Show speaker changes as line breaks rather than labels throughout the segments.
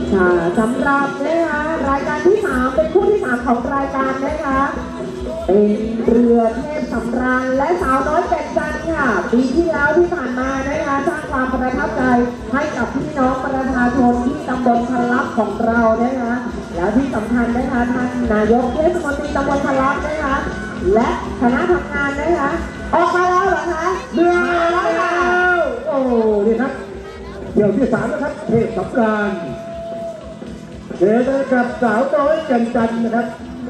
ค่ะสำหรับนะคะรายการที่3เป็นคู่ที่3ของรายการนะคะเป็นเรือเทพสำราญและสาวน้อยเป็ดจันทร์ค่ะปีที่แล้วที่ผ่านมานะคะสร้างความประทับใจให้กับพี่น้องประชาชนที่ตำบลพลับของเรานะคะแล้วที่สำคัญนะคะท่านนายกเทศมนตรีตำบลพลับนะคะและคณะทำงานนะคะออกมาแล้วเหรอคะ
เรือมาแล้วโอ้นี่ครับเที่ยวที่3นะครับเทพสำราญเจอกับสาวน้อยแก่นจันทร์นะครับ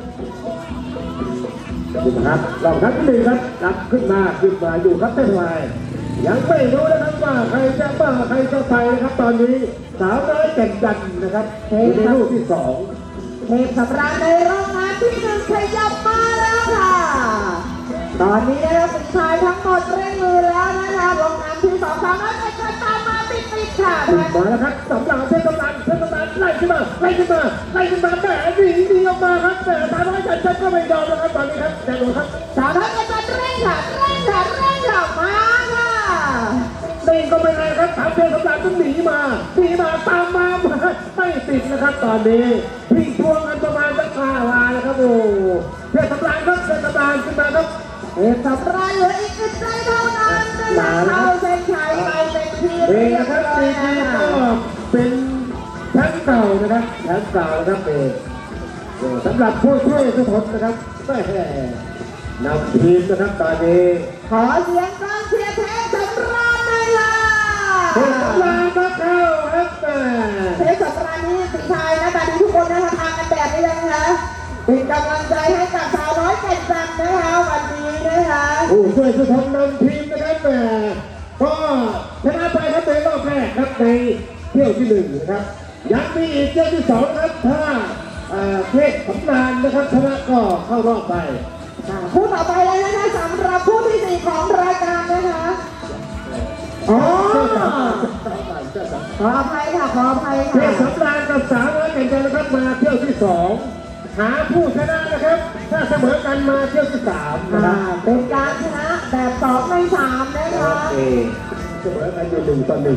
ดูนะครับลองทักที่1ครับรับขึ้นมาอยู่ครับเต้นไวยังไม่รู้นะครับว่าใครจะบ้าใครจะไปนะครับตอนนี้สาวน้อยแก่นจันทร์นะครับในลูกที่2
เทพสำราญในรอบงานที่1ขยับมาแล้วค่ะตอนนี้นะคะสุดท้ายทั้งหมดเร่งมือแล้วนะคะลงน้ำที่2สาวน้อยเป็ดจันทร์ตามมาติดค่ะ
มาแล้วครับสำราญเทพสำราญไล่ขึ้นมาแหมหนีออกมาครับแต่สาวน้อยแก่นจันทร์ก็ไม่ยอมแล้วครับตอนนี้ครับแจ้งเลยครับ
สาวน้อยเป็ดจันทร์เร่งค่ะมาค่ะ
ตีก็ไม่ได้ครับสาวเทพสำราญต้องหนีมาตามมาไม่ติดนะครับตอนนี้พี่ทวงกันประมาณสัก5 ลายนะครับโอ้เทพสำราญครับเทพสำราญขึ้นมาครับ
เทพสำราญเหลืออีก1ใจเท่านั้นเข้าเส้นชัยไปเป็นทีม
เองนะครับทีมก็เป็นแชมป์เก่านะครับแชมป์เก่านะครับเองสำหรับผู้ช่วยทุกคนนะครับแม่นำทีมนะครับตอนนี้
ขอเสียงกองเชียร์เทพสำราญเลยค่ะ
เทพสำราญมาเข้าครับ
เทพสำราญนี่สิชายนะตอนนี้ทุกคนนะคะทำกันแบบนี้ยังคะเป็นกำลังใจให้กับสาวน้อยแก่นจันทร์นะคะวันนี้นะคะ
ผู้ช่วยทุกคนนำทีมนะครับก็ชนะไปครับในรอบแรกครับในเที่ยวที่1นะครับยังมีอีกเที่ยวที่2ครับถ้าเทพสำราญนะครับชนะก็เข้ารอบไป
คู่ต่อไปเลยนะคะสำหรับคู่ที่4ของรายการนะคะขออภัยค่ะ
เทพสำราญกับสาวน้อยแก่นจันทร์นะครับมาเที่ยวที่2หาผู้ชนะนะครับถ้าเสมอกันมาเที่ยวที่3นะครับ
เป็นการชนะแบบ2 ใน 3นะคะ
เสมอกันอยู่1 ต่อ 1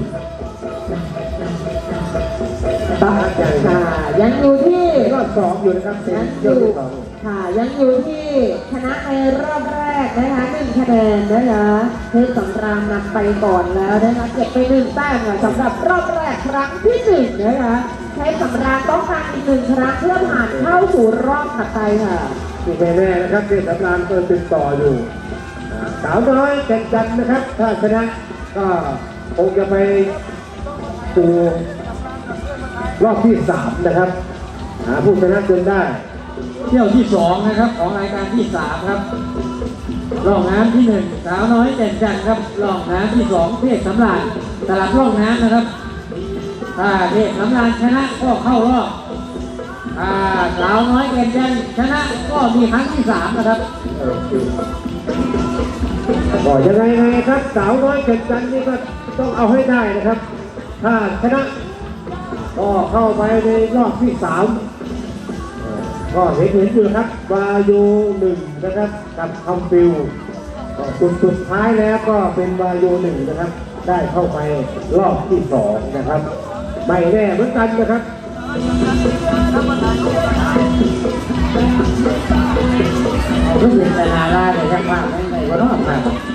ยังอยู่ที่
รอบ2อยู่นะครับ
ยังอยู่ที่ชนะในรอบแรกนะคะ1 คะแนนนะคะเทพสำราญนำไปก่อนแล้วนะคะเก็บไป1 แต้มสำหรับรอบแรกครั้งที่1นะคะเทพสำราญต้องการอีก1 ครั้งเพื่อผ่านเข้าสู่รอบถัดไปค่ะ
ที่แน่ๆนะครับเทพสำราญก็ติดต่ออยู่สาวน้อยแก่นจันทร์นะครับถ้าชนะก็คงจะไปสู่รอบที่3นะครับหาผู้ชนะจนได้
เที่ยวที่2นะครับของรายการที่3ครับร่องน้ำที่1สาวน้อยแก่นจันทร์ครับร่องน้ำที่2เทพสำราญสลับร่องน้ำนะครับถ้าเทพสำราญชนะก็เข้ารอบสาวน้อยแก่นจันทร์ชนะก็มีครั้งที่3นะครับ
ก็ยังไงครับสาวน้อยแก่นจันทร์นี่ก็ต้องเอาให้ได้นะครับถ้าชนะก็เข้าไปในรอบที่3ก็เห็นอยู่ครับวาโย1นะครับกับคำฟิวก็สุดท้ายแล้วก็เป็นวาโย1นะครับได้เข้าไปรอบที่2นะครับไม่แน่เหมือนกันนะครับ
รู้สึกแต่นาลาแต่ยังมากไม่ก็รอบครับ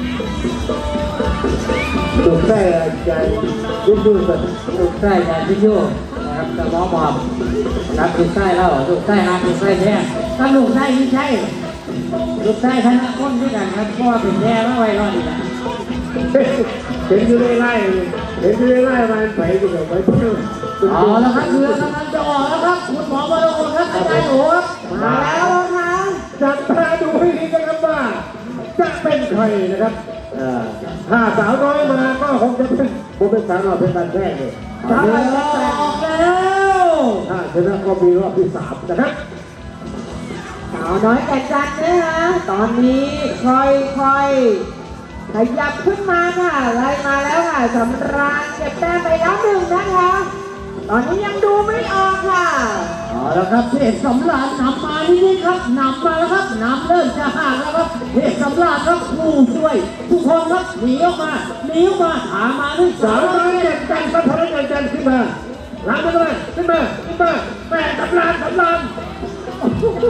ถูกได้ใจยุ่งๆแบบ
ถูกได้ใจยุ่งนะครับจะมองมองรับถูกได้แล้วถูกได้หาถูกได้แท้ถ้าถูกได้ไม่ใช่ถูกได้ชนะคนด้วยกันครับเพราะว่าเป็นแท้แล้วไว้รอดอีกแล้ว
เห็นอยู่ไล่มาไปอยู่แบบไปเที่ยว
อ๋อแล้วครับเรือกำลังจะออกแล้วครับคุณหมอบรมครับอาจารย์โอ๋
มาแล้วค่ะ
จับตาดูให้ดีนะครับว่าจะเป็นใครนะครับถ้าสาวน้อยมาก็คงจะเป็นสาวน้อยเป็นการแท้เลย
สาวน้อยออกแล้ว
ถ้าชนะก็มีรอบที่3นะครับ
สาวน้อยแก่นจันทร์นะคะตอนนี้ค่อยขยับขึ้นมาค่ะไล่มาแล้วค่ะสำราญเก็บแต้มไปแล้ว1นะคะตอนนี้ยังดูไม่ออกค่ะ
แล้วครับเทพสำราญนำมานี่ครับนำมาแล้วครับนำเริ่มจะห่างแล้วครับเทพสำราญครับผู้ช่วยทุกคนครับหนีออกมาหามาด้วย
สาวน้อยแก่นจันทร์สาวน้อยแก่นจันทร์ขึ้นมาล้างมาเลยขึ้นมา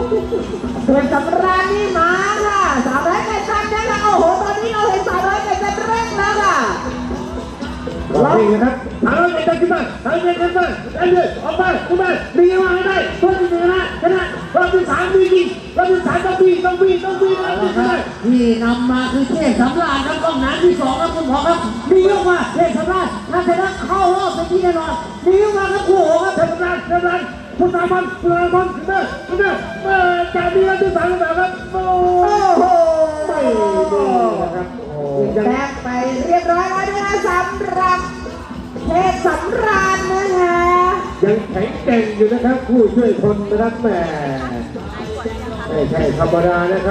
เพื่อนสำราญนี่มาค่ะสาวน้อยแก่นจันทร์นะคะโอ้โหตอนนี้เราเห็นสาวน้อยแก่นจันทร์เร่งแล้วค่ะ
นี่นะครับเอาเลยจันขึ้นมาเอาเลยขึ้นมาเอาเลยออกไปขึ้นมาดีมาให้ได้คนที่ชนะรอบที่สามดีจริงรอบที่สามต้องบีต้องบีได้
ที่นำมาคือเทพสำราญครับกองน้ำที่สองครับคุณหมอครับมีออกมาเทพสำราญถ้าชนะเข้ารอบเป็นที่แน่นอนมีออกมาครับคู่โหครับ
เทพรันคุณสามันขึ้นมาจากนี้แล้วที่สามแล้วครับโอ้
โอ้โห
ไม่ดีนะครับโอ้ยัง
แบกไปเรียบร้อยแล้วนะคะสำหรับเทพสำราญนะคะ
ยังแข็งแกร่งอยู่นะครับผู้ช่วยคนนะครับแหมไม่ใช่ธรรมดานะครับ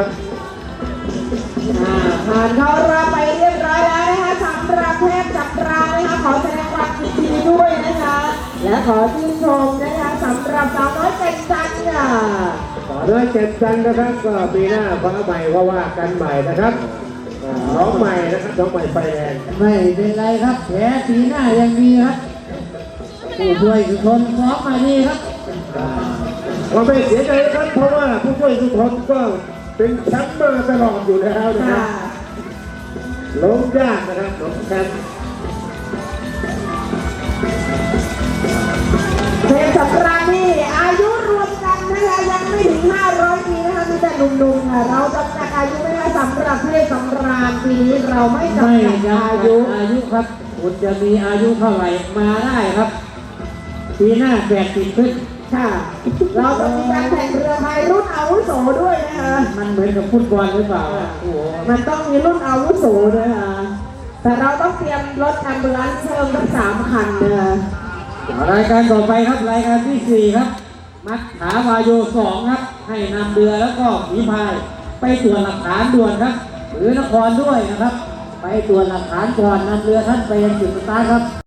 ผ่านเข้ารอบไปเรียบร้อยแล้วนะคะสำหรับเทพสำราญนะคะขอแสดงความยินดีด้วยนะคะ และขอชื่นชมนะคะสำหรับสาวน้อยแก่นจันทร์ค่ะ
ต่อด้วยเจ็ดจันนะครับก็ปีหน้าฟ้าใหม่ว่ากันใหม่นะครับน้องใหม่นะครับน้องใหม่ไฟแดง
ไม่เป็นไรครับแผลสีหน้ายังมีครับผู้ช่วยสุทนซ้อมมาดีครับ
ก็ไม่เสียใจนะครับเพราะว่าผู้ช่วยสุทนก็เป็นแชมป์มาตลอดอยู่แล้วนะค
ค่ะ
รับล้มยากนะครับล้มแชมป์
เทพสำราญนี่อายุรวมกันนะคะยังไม่ถึง500 ปีนะคะมีแต่หนุ่มๆค่ะเราจำกัดอายุไม่ได้สำหรับเทพสำราญปีนี้เราไม่จำ
ไม่
กัด
จำกั
อา
ด
ยุ
อายุครับคุณจะมีอายุเท่าไหร่มาได้ครับปีหน้า80ขึ้น
ค่ะ เราจะมีการแข่งเรือพายรุ่นอาวุโสด้วยนะคะ
มันเหมือนกับฟุตบอลหรือเปล่าโอ้โห
มันต้องมีรุ่นอาวุโสด้วยค่ะแต่เราต้องเตรียมรถแอมบูเลนซ์เพิ่มทั้ง3 คันนะคะ
รายการต่อไปครับรายการที่ 4 ครับ มัดขาวาโย2ครับ ให้นำเรือแล้วก็ผีพายไปตรวจหลักฐานด่วนครับ หรือนครด้วยนะครับ ไปตรวจหลักฐานก่อนนำเรือท่านไปยังจุดสตาร์ทครับ